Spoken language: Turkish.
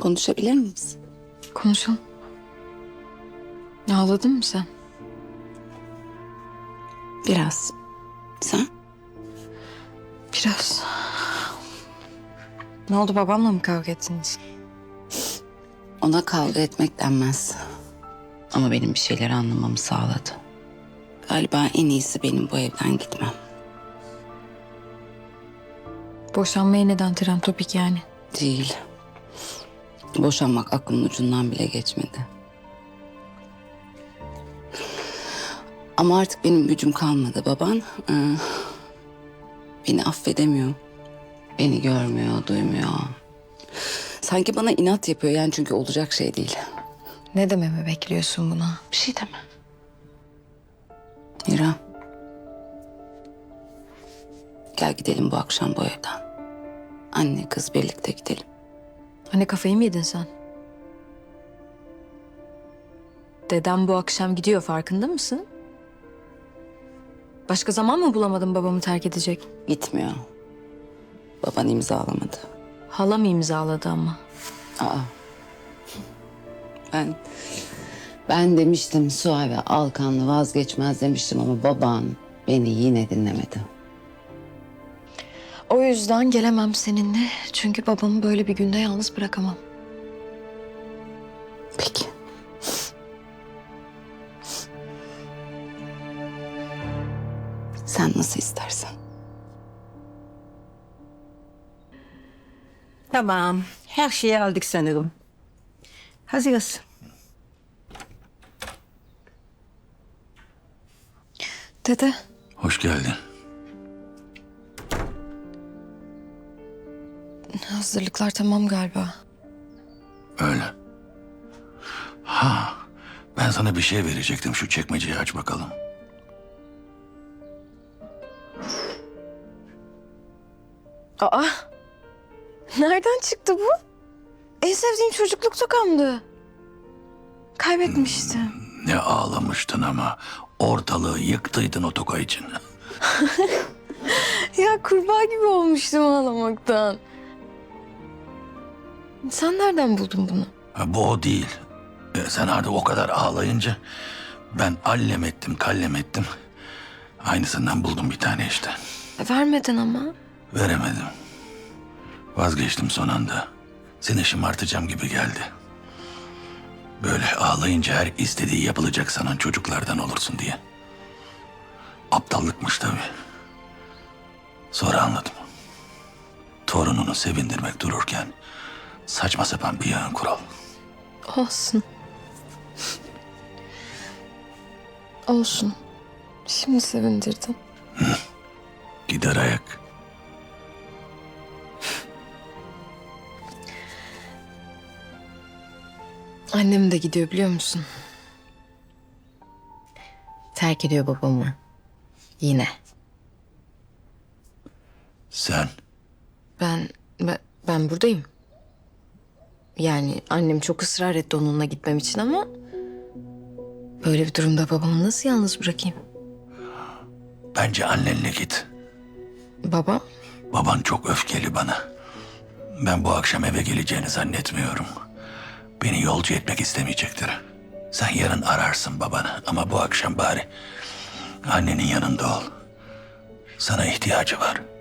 konuşabilir miyiz? Konuşalım. Ağladın mı sen? Biraz. Sen? Biraz. Ne oldu, babamla mı kavga ettiniz? Ona kavga etmek denmez. Ama benim bir şeyleri anlamamı sağladı. Galiba en iyisi benim bu evden gitmem. Boşanmaya neden tren topik yani? Değil. Boşanmak aklımın ucundan bile geçmedi. Ama artık benim gücüm kalmadı. Baban beni affedemiyor. Beni görmüyor, duymuyor. Sanki bana inat yapıyor yani, çünkü olacak şey değil. Ne dememi bekliyorsun buna? Bir şey deme. Mira. Gel gidelim bu akşam bu evden. Anne kız birlikte gidelim. Anne, kafayı mı yedin sen? Dedem bu akşam gidiyor, farkında mısın? Başka zaman mı bulamadın babamı terk edecek? Gitmiyor. Baban imzalamadı. Halam imzaladı ama. Aa. Ben demiştim Suave Alkanlı vazgeçmez demiştim ama baban beni yine dinlemedi. O yüzden gelemem seninle. Çünkü babamı böyle bir günde yalnız bırakamam. Peki. Sen nasıl istersen. Tamam. Her şeyi aldık sanırım. Hazırız. Dede, Hoş geldin. hazırlıklar tamam galiba. Öyle. Ha, ben sana bir şey verecektim. Şu çekmeceyi aç bakalım. Aa! Nereden çıktı bu? En sevdiğim çocukluk tokamdı. Kaybetmiştim. Ne ağlamıştın ama. Ortalığı yıktıydın o toka için. Ya kurbağa gibi olmuştum ağlamaktan. Sen nereden buldun bunu? Ha, bu o değil. Sen artık o kadar ağlayınca ben allem ettim, kallem ettim. Aynısından buldum bir tane işte. Vermedin ama. Veremedim. Vazgeçtim son anda. Seni şımartacağım gibi geldi. Böyle ağlayınca her istediği yapılacak sanan çocuklardan olursun diye. Aptallıkmış tabii. Sonra anladım. Torununu sevindirmek dururken saçma sapan bir yığın kural. Olsun. Olsun. Şimdi sevindirdin. Gider ayak. Annem de gidiyor, biliyor musun? Terk ediyor babamı. Yine. Sen Ben buradayım. Yani annem çok ısrar etti onunla gitmem için ama... böyle bir durumda babamı nasıl yalnız bırakayım? bence annenle git. Babam? Baban çok öfkeli bana. Ben bu akşam eve geleceğini zannetmiyorum. Beni yolcu etmek istemeyecektir. Sen yarın ararsın babanı ama bu akşam bari annenin yanında ol. Sana ihtiyacı var.